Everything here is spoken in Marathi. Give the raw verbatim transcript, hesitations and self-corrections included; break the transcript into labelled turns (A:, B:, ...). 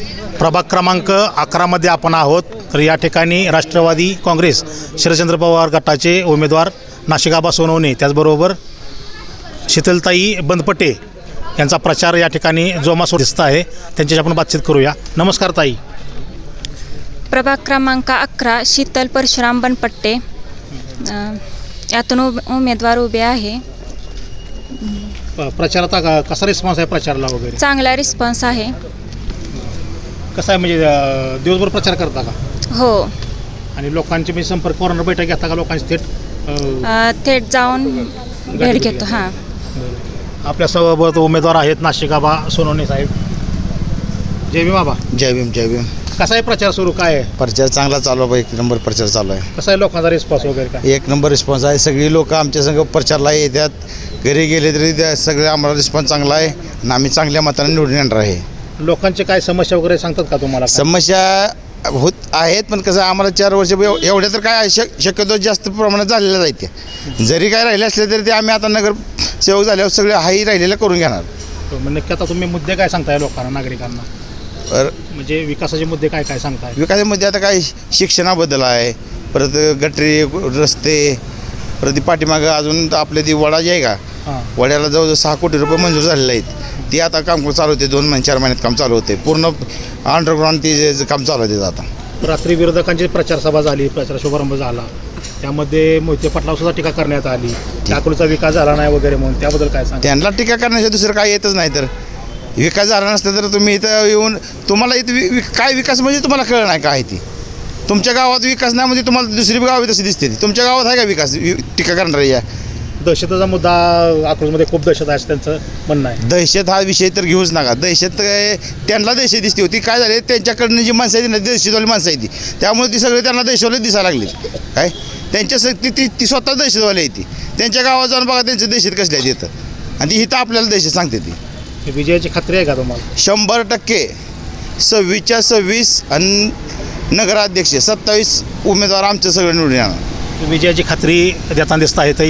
A: प्रभाग क्रमांक अकरामध्ये आपण आहोत. तर या ठिकाणी राष्ट्रवादी काँग्रेस शरदचंद्र पवार गटाचे उमेदवार नाशिकाबा सोनवणे, त्याचबरोबर शीतलताई बंदपटे यांचा प्रचार या ठिकाणी जोमासोर दिसत आहे. त्यांच्याशी आपण बातचीत करूया. नमस्कार ताई.
B: प्रभाग क्रमांक अकरा शीतल परशुराम बनपट्टे अ, यातून उब उमेदवार उभे आहे.
A: प- प्रचाराचा का- कसा रिस्पॉन्स आहे प्रचाराला वगैरे?
B: चांगला रिस्पॉन्स आहे.
A: कसा आहे म्हणजे अ, दिवसभर प्रचार करता का?
B: हो,
A: आणि लोकांची म्हणजे संपर्क कॉर्नर बैठक घेता का लोकांची थेट? अ,
B: अ, थेट जाऊन भेट घेतो. हां,
A: आपल्यासोबत उमेदवार आहेत नाशिकाबा सोनवणे साहेब. जय भीम बाबा.
C: जय भीम जय भीम.
A: कसा आहे प्रचार सुरू, काय आहे?
C: प्रचार चांगला चालू आहे. एक नंबर प्रचार चालू आहे.
A: कसा आहे लोकांचा रिस्पॉन्स वगैरे काय?
C: एक नंबर रिस्पॉन्स आहे. सगळी लोक आमच्या संग प्रचारला येतात. घरी गेले तरी त्या सगळे आम्हाला रिस्पॉन्स चांगला आहे आणि आम्ही चांगल्या मताने निवडून येणार आहे.
A: लोकांचे काय समस्या वगैरे सांगतात का तुम्हाला?
C: समस्या होत आहेत, पण कसं आम्हाला चार वर्ष एव- एवढ्या तर काय शक शक्यतो जास्त प्रमाणात झालेल्या आहेत. त्या जरी काय राहिले असले तरी ते आम्ही आता नगर सेवक झाल्यावर सगळे हाही राहिलेलं करून घेणार.
A: म्हणजे नक्की आता तुम्ही मुद्दे काय सांगताय लोकांना, नागरिकांना?
C: तर
A: म्हणजे विकासाचे मुद्दे काय काय सांगताय?
C: विकासामध्ये आता काय शिक्षणाबद्दल आहे, परत गटरी रस्ते, परत ती पाठीमागं अजून आपले ती वडा जी आहे का,
A: हां,
C: वड्याला जवळजवळ सहा कोटी रुपये मंजूर झालेले आहेत. ती आता काम चालू होते. दोन महिने चार महिन्यात काम चालू होते. पूर्ण अंडरग्राऊंड ती जे काम चालू होते आता.
A: रात्री विरोधकांची प्रचार सभा झाली, प्रचार शुभारंभ झाला, त्यामध्ये मोहिते पाटलावर सुद्धा टीका करण्यात आली. अकलूजचा विकास झाला नाही वगैरे म्हणून, त्याबद्दल काय सांग?
C: त्यांना टीका करण्याच्या दुसरं काय येतच नाही. तर विकास झाला नसतं तर तुम्ही इथं येऊन तुम्हाला इथं वि वि- काय विकास म्हणजे तुम्हाला कळलं नाही काय ती. तुमच्या गावात विकास नाही म्हणजे तुम्हाला दुसरी गावी तशी दिसते ती. तुमच्या गावात आहे का विकास? वि- टीका करणारी या
A: दहशतीचा मुद्दा अकलूजमध्ये खूप दहशत आहे असं त्यांचं म्हणणं आहे.
C: दहशत हा विषय तर घेऊच नका. दहशत काय त्यांना दहशत दिसते होती. काय झाले त्यांच्याकडनं जी माणसं आहे ना, दहशतवाली माणसं आहे ती, त्यामुळे ती सगळे त्यांना दहशतवाले दिसायला लागली. काय त्यांच्या स ती ती ती स्वतः दहशतवाली आहे ती. त्यांच्या गावात जाऊन बघा त्यांची दहशत कसली आहे तिथं, आणि ती इथं आपल्याला दहशत सांगते ती.
A: विजयाची खात्री आहे का तुम्हाला?
C: शंभर टक्के सव्वीसच्या सव्वीस आणि नगराध्यक्ष सत्तावीस उमेदवार आमचं सगळं निवडून येणार.
A: विजयाची खात्री देताना दिसत आहे.